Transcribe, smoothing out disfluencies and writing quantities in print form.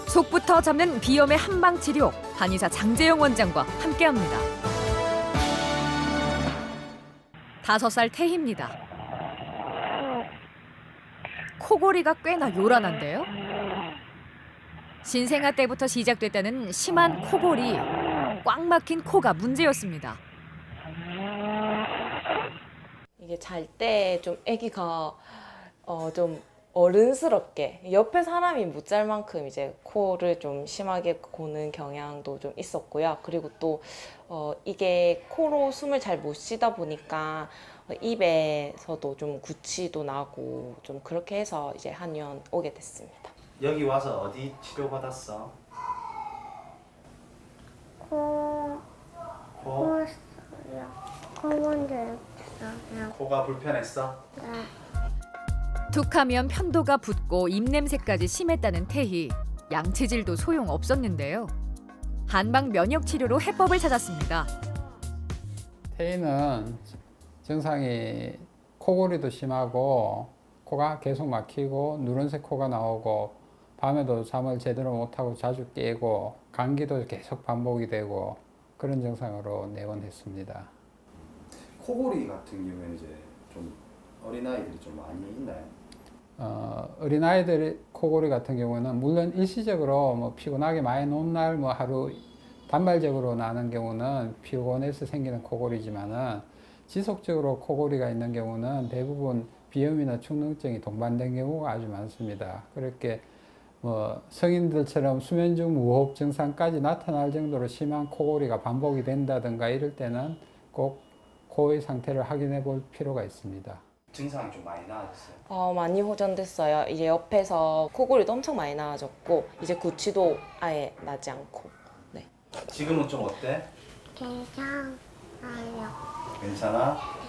속부터 잡는 비염의 한방 치료, 한의사 장재영 원장과 함께합니다. 5살 태희입니다. 코골이가 꽤나 요란한데요. 신생아 때부터 시작됐다는 심한 코골이, 꽉 막힌 코가 문제였습니다. 이게 잘 때 좀 아기가 좀 어른스럽게 옆에 사람이 못 잘 만큼 이제 코를 좀 심하게 고는 경향도 좀 있었고요. 그리고 또 이게 코로 숨을 잘 못 쉬다 보니까 입에서도 좀 구취도 나고 좀 그렇게 해서 이제 한의원 오게 됐습니다. 여기 와서 어디 치료받았어? 코? 코였어요. 코 먼저 했어요. 코가 불편했어? 네. 툭하면 편도가 붓고 입냄새까지 심했다는 태희. 양치질도 소용없었는데요. 한방 면역 치료로 해법을 찾았습니다. 태희는 증상이 코골이도 심하고 코가 계속 막히고 누런색 코가 나오고 밤에도 잠을 제대로 못하고 자주 깨고 감기도 계속 반복이 되고 그런 증상으로 내원했습니다. 코골이 같은 경우에는 이제 좀 어린아이들이 좀 많이 있나요? 어린아이들 코골이 같은 경우는 물론 일시적으로 뭐 피곤하게 많이 논 날 뭐 하루 단발적으로 나는 경우는 피곤해서 생기는 코골이지만은 지속적으로 코골이가 있는 경우는 대부분 비염이나 축농증이 동반된 경우가 아주 많습니다. 그렇게 뭐 성인들처럼 수면 중 무호흡 증상까지 나타날 정도로 심한 코골이가 반복이 된다든가 이럴 때는 꼭 코의 상태를 확인해 볼 필요가 있습니다. 증상이 좀 많이 나아졌어요? 많이 호전됐어요. 이제 옆에서 코골이도 엄청 많이 나아졌고 이제 구취도 아예 나지 않고. 네. 지금은 좀 어때? 괜찮아요. 괜찮아?